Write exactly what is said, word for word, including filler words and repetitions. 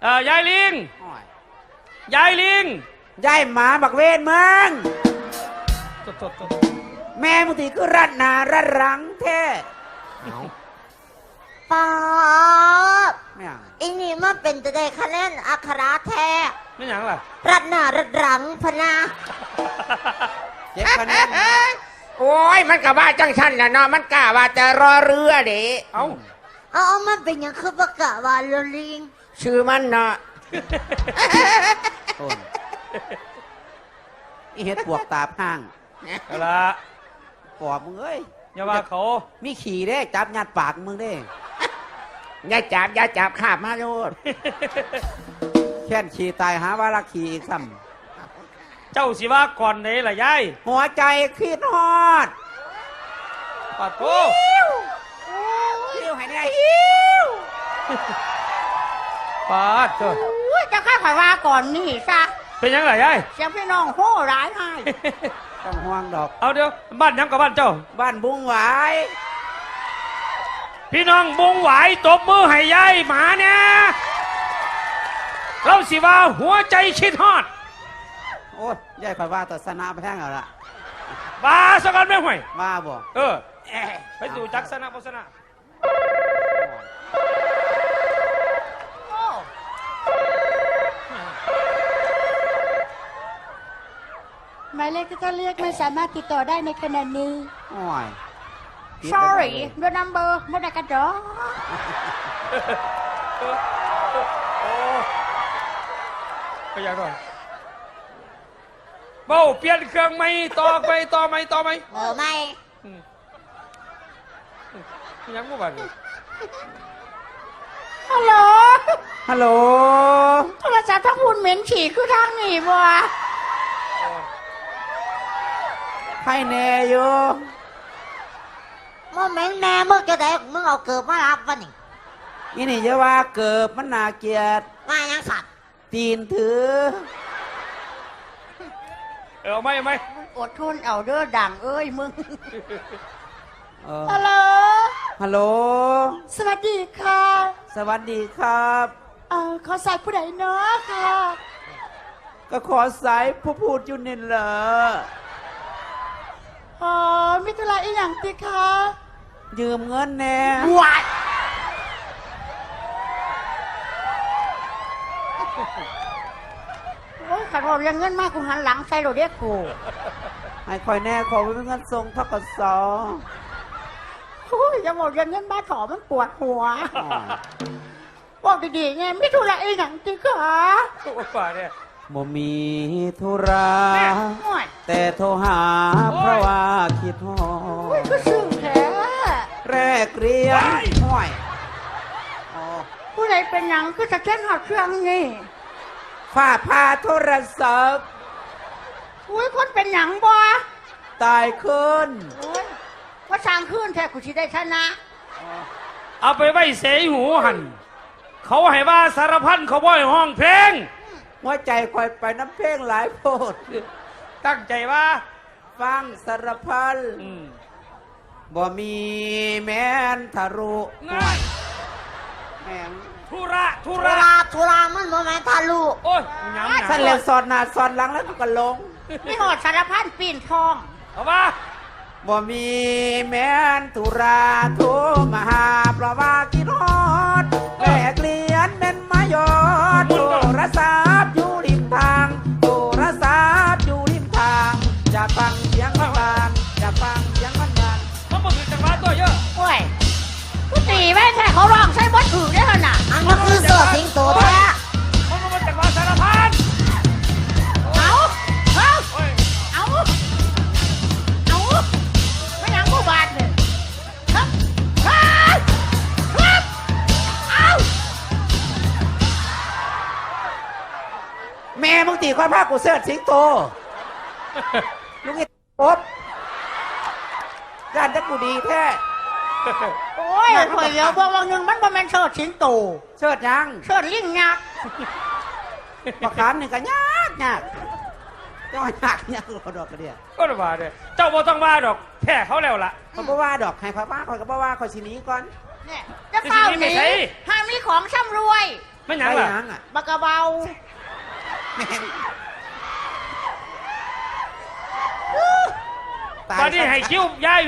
อยายลิงยายลิงยายหมาบักเวนมึงแม่มึงตีคือรัดหนารัดหลังแท้ป๊าบไม่เอาอีนี่มันเป็นจะได้คะแนนอัคราแท้ไม่หยังล่ะรัดหน้ารัดหลังพนาเจ็บคะแนนโอ้ยมันกับว่าจังชันนะเนาะมันกะว่าจะรอเรือเด้เอาเอามันเป็นยังคือประกาศว่าลลิงชื่อมันเนาะอีเฮ็ดปวกตาพ้างเอาละปอบมึงเอ้ยอย่าว่าเขามีขี่เด้จับยัดปากมึงเด้อย่าจับอย่าจับขาบมาโลดแค่นขี่ตายหาว่ารักขี่อีกซ้ำเจ้าสิว่าก่อนไหนล่ะยายหัวใจคิดฮอดปาโถหิวให้เนี่ยหิวปาโถจะข้าข่อยว่าก่อนนี่ซะเป็นยังไงยายเสียงพี่น้องโห่ร้ายให้ต้องห่วงดอกเอาเดี๋ยวบ้านยังกับบ้านเจ้าบ้านบุ้งหวายพี่น้องบุ้งหวายตบมือให้ยายหมาเนี่ยเราสิว่าหัวใจคิดฮอดโอ้ยยายคอยว่าต่อสนาไปแท่งเอาละบ้าสักกันไม่ห่วยบ้าบ่เออไปสู่จักสนะโฆษณาหมายเลขที่ท่านเรียกไม่สามารถติดต่อได้ในขณะนี้โอ้ย sorry the number ไม่ได้กระจอกก็ยังด้วยเบ้าเปลี่ยนเครื่องไม่ต่อไปต่อไม่ต่อไม่เออไม่ยังไม่บันฮัลโหลฮัลโหลโทรศัพท์ทั้งหุ่นเหม็นฉี่คือทางหนีบัวให้แน่อยู่มึงเหม็นแน่มึงจะได้มึงเอาเกิบมารับวะนี่นี่นี่จะว่าเกิบมันน่าเกลียดว่ายังสัตว์ตีนถือเออไม่ไม่อดทนเอาเด้อดังเอ้ยมึงฮัลโหลฮัลโหลสวัสดีค่ะสวัสดีครับเออขอสายผู้ใดเนาะค่ะก็ขอสายผู้พูดอยู่นี่เหรออ๋อมิถุลาอีหยังติคะยืมเงินแน่วัดโอ้ยขัดผมยังเงินมากกูหันหลังใส่โรเดียกูให้คอยแน่ขอเป็นเงินทรงทกศโอ้ยจะบอกยังเงินบ้าถอมันปวดหัวบอกดีๆไงมิถุลาอีหยังติคะป่าเนี่ยบ่มีธุระแต่โทรหาเพราะว่าคิดฮอดก็ซึ้งแท้แรกเรียนห้อยผู้ใดเป็นหยังคือจะเช่นหอดเครื่องนี่ฝ้าพาโทรศัพท์อุ้ยคนเป็นหยังบ่ตายขึ้นว่าสร้างขึ้นแท้กูสิได้ชนะเอาไปไว้เสยหูหันเขาให้ว่าสารพันเขาบ่อยห้องเพลงหัวใจคอยไปน้ำเพลงหลายโพดตั้งใจว่าฟังสารพันบ่มีแม่นทะลุง่ายแม่งทุระทุระทุระมันบ่แม่นทะลุโอ้ยย้ำฉันเลี้ยวสอนหน้าสอนหลังแล้วก็ลงนี่หอดสารพันปีนทองเอาว่าบ่มีแม่นทุระทุมาหาเพราะว่าคิดฮอดแลกเลียนเป็นมายอดโทรศัพท์อยู่ริมทางโทรศัพท์อยู่ริมทางจะฟังเสียงมันบานจะฟังเสียงมันบานมันบ่คือจังหวะตัวเยอะโอ้ยกูตีแม่แท้เขาร้องใช้บทถือได้ขนาดอันก็คือเสือสิงโตแท้มันก็มาจังหวะสารพันเอาเอาเอาเอาไม่ยังกูบาดเลยครับครับครับเอาแม่มึงตีความภาคกูเสือสิงโตลุงไอ้ป๊บการจะกูดีแท้โอ้ยข่อยเดียวบอกว่าหนึ่งมันบ่แม่นเชิดสิงโตเชิดยังเชิดลิงยักษ์ประคามหนึ่งก็ยากยากเจ้าหักเนี่ยคือดอกกระเดียก็ระบาดเลยเจ้าบ่ต้องว่าดอกแค่เขาแล้วล่ะเขาบ่ว่าดอกให้เขาว่าเขาก็บ่ว่าเขาสินี้ก่อนเนี่ยจะเฝ้าหนีห้ามมีของช่ำรวยไม่หยังไปล่ะหยังอ่ะบักกะเบาแม่งตายตอนนี้ซะให้คิ้วยาย